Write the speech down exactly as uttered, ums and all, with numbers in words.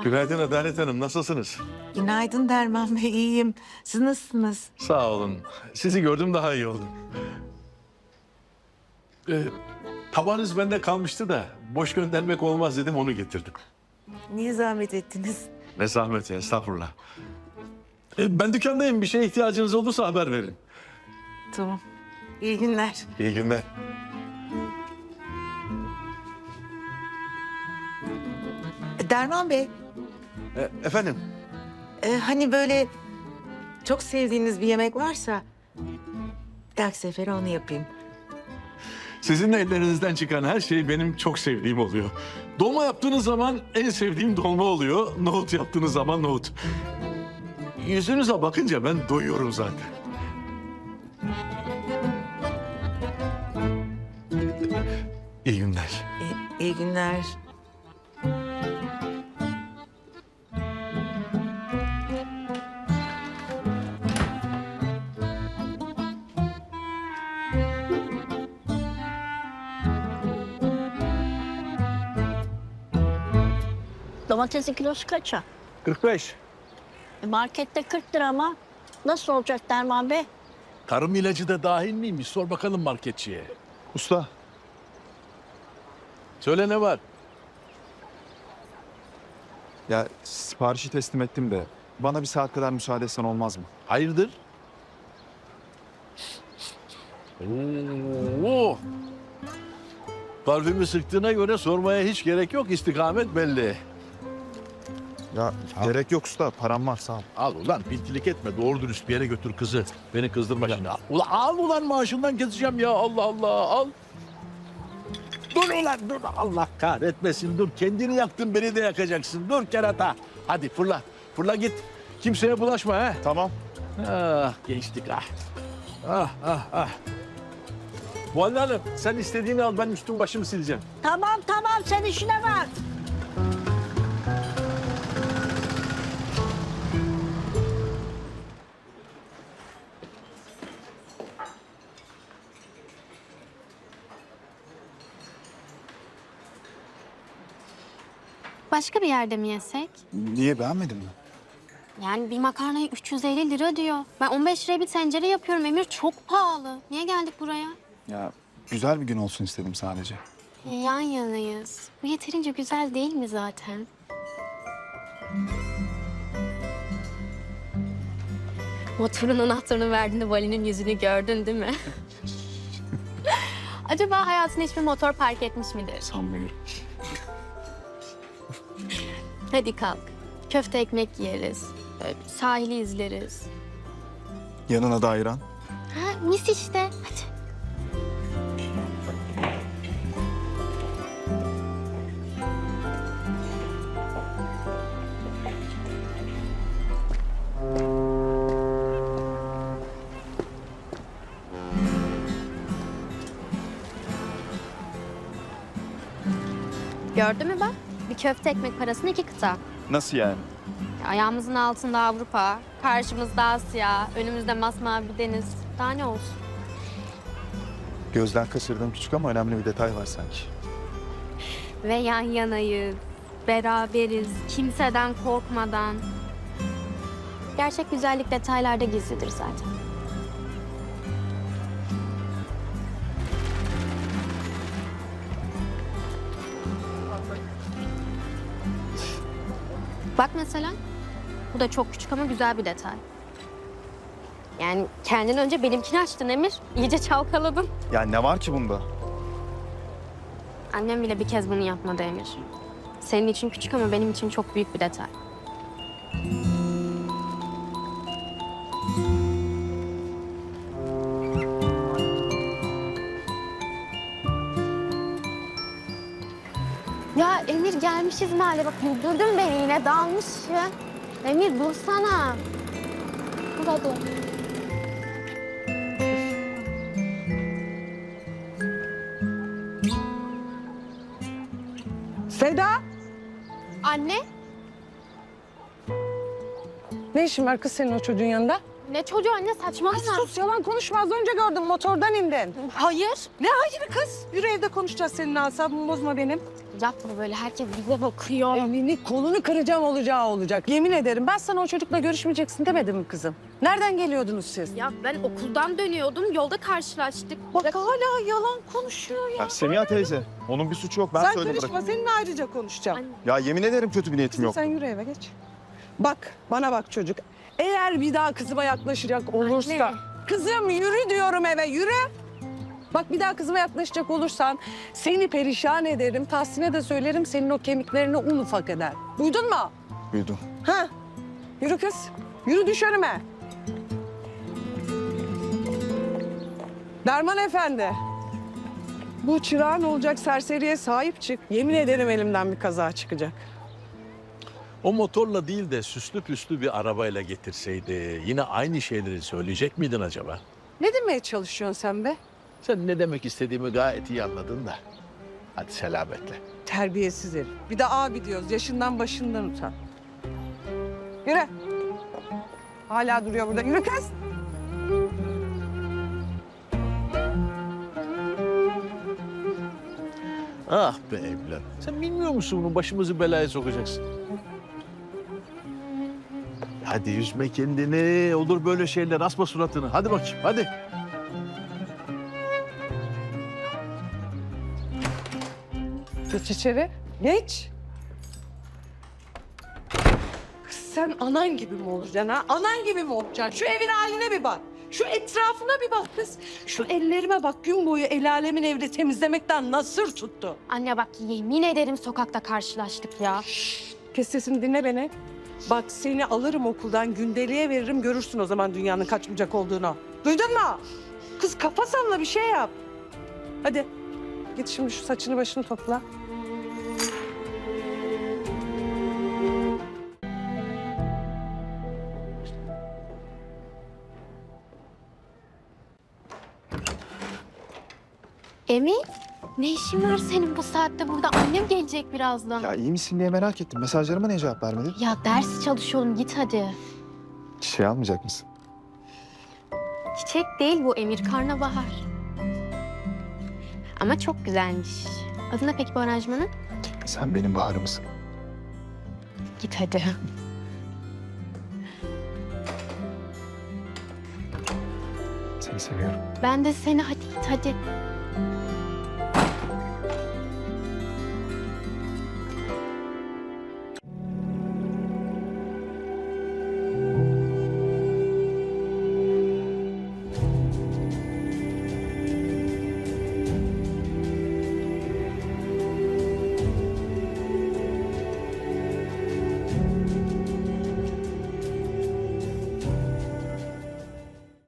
Günaydın Adalet Hanım, nasılsınız? Günaydın Derman Bey, iyiyim. Siz nasılsınız? Sağ olun. Sizi gördüm daha iyi oldum. Ee, tabağınız bende kalmıştı da boş göndermek olmaz dedim onu getirdim. Niye zahmet ettiniz? Ne zahmeti, estağfurullah. Ee, ben dükkandayım, bir şeye ihtiyacınız olursa haber verin. Tamam. İyi günler. İyi günler. Derman Bey, Ee, efendim? e, hani böyle çok sevdiğiniz bir yemek varsa bir dahaki sefere onu yapayım. Sizin ellerinizden çıkan her şey benim çok sevdiğim oluyor. Dolma yaptığınız zaman en sevdiğim dolma oluyor. Nohut yaptığınız zaman nohut. Yüzünüze bakınca ben doyuyorum zaten. İyi günler. E, iyi günler. Domatesin kilosu kaça? kırk beş. E markette kırk lira ama nasıl olacak Derman Bey? Tarım ilacı da dahil miymiş? Sor bakalım marketçiye. Usta, Söyle ne var? ya siparişi teslim ettim de bana bir saat kadar müsaade etsen olmaz mı? Hayırdır? Oo. Parfümü sıktığına göre sormaya hiç gerek yok. İstikamet belli. Ya gerek yok usta, param var sağ ol. Al ulan pintilik etme. Doğru dürüst bir yere götür kızı. Beni kızdırma şimdi. Al ulan, al ulan maaşından keseceğim ya. Allah Allah al. Dur ulan dur. Allah kahretmesin dur. Kendini yaktın beni de yakacaksın. Dur kerata. Hadi fırla. Fırla git. Kimseye bulaşma ha. Tamam. Ah gençlik ah. Ah ah ah. Muhalle Hanım sen istediğini al ben üstüm başımı sileceğim. Tamam tamam sen işine bak. Başka bir yerde mi yesek? Niye, beğenmedin mi? Yani bir makarnaya üç yüz elli lira diyor. Ben on beş liraya bir tencere yapıyorum Emir. Çok pahalı. Niye geldik buraya? Ya güzel bir gün olsun istedim sadece. Yan yanayız. Bu yeterince güzel değil mi zaten? Motorun anahtarını verdiğinde Vali'nin yüzünü gördün değil mi? Acaba hayatında hiçbir motor park etmiş midir? Sanmıyorum. Hadi kalk. Köfte ekmek yeriz. Böyle sahili izleriz. Yanına da ayran. Ha, mis işte. Hadi. Gördün mü bak? Bir köfte ekmek parasına iki kıta. Nasıl yani? Ayağımızın altında Avrupa, karşımızda Asya, önümüzde masmavi bir deniz. Daha ne olsun? Gözden kaçırdığım küçük ama önemli bir detay var sanki. Ve yan yanayız, beraberiz, kimseden korkmadan. Gerçek güzellik detaylarda gizlidir zaten. Bak mesela, bu da çok küçük ama güzel bir detay. Yani kendin önce benimkini açtın Emir, iyice çalkaladın. Ya ne var ki bunda? Annem bile bir kez bunu yapmadı Emir. Senin için küçük ama benim için çok büyük bir detay. Ya Emir gelmişiz mahalle. Bak güldürdün beni yine dalmışsın. Emir dursana. Burada dur. Seda, Anne, ne işin var kız senin o çocuğun yanında? ne çocuğu anne saçmalama. Sus, yalan konuşma. Az önce gördüm, motordan indin. Hayır. Ne hayır kız? Yürü evde konuşacağız seninle, asabımı bozma benim. Yapma böyle, herkes bize bakıyor. Elini kolunu kıracağım olacağı olacak. Yemin ederim ben sana o çocukla görüşmeyeceksin demedim mi kızım? Nereden geliyordunuz siz? Ya ben okuldan dönüyordum, yolda karşılaştık. Bak hala yalan konuşuyor ya. Ya Semiha teyze, onun bir suçu yok. Ben Sen söyledim. karışma, seninle ayrıca konuşacağım. Anne. Ya yemin ederim kötü bir niyetim Kızım yok. sen yürü eve geç. Bak bana bak çocuk. Eğer bir daha kızıma yaklaşacak olursa... Anne. Kızım yürü diyorum eve yürü. Bak bir daha kızıma yaklaşacak olursan seni perişan ederim. Tahsin'e de söylerim senin o kemiklerini un ufak eder. Duydun mu? Duydum. Ha? Yürü kız. Yürü düş önüme. Derman Efendi. Bu çırağın olacak serseriye sahip çık. Yemin ederim elimden bir kaza çıkacak. O motorla değil de süslü püslü bir arabayla getirseydi yine aynı şeyleri söyleyecek miydin acaba? Ne demeye çalışıyorsun sen be? Sen ne demek istediğimi gayet iyi anladın da. Hadi selametle. Terbiyesiz herif. Bir de abi diyoruz. Yaşından başından utan. Yürü. Hala duruyor burada. Yürü kız. Ah be evlat. Sen bilmiyor musun bunu başımızı belaya sokacaksın. Hadi üzme kendini. Olur böyle şeyler. Asma suratını. Hadi bakayım hadi. Geç içeri. Geç. Kız sen anan gibi mi olacaksın ha? Anan gibi mi olacaksın? Şu evin haline bir bak. Şu etrafına bir bak kız. Şu ellerime bak, gün boyu el alemin evde temizlemekten nasır tuttu. Anne bak, yemin ederim sokakta karşılaştık ya. Kes sesini, dinle beni. Bak seni alırım okuldan, gündeliğe veririm, görürsün o zaman dünyanın kaç bucak olduğunu. Duydun mu? Kız kafa salla, bir şey yap. Hadi git şimdi şu saçını başını topla. Emin, ne işin var senin bu saatte burada? Annem gelecek birazdan. Ya iyi misin diye merak ettim. Mesajlarıma niye cevap vermedin? Ya ders çalışıyorum, git hadi. Çiçeği almayacak mısın? Çiçek değil bu Emir, karnabahar. Ama çok güzelmiş. Adı ne peki bu aranjmanın? Sen benim baharımsın. Git hadi. Seni seviyorum. Ben de seni, hadi git hadi.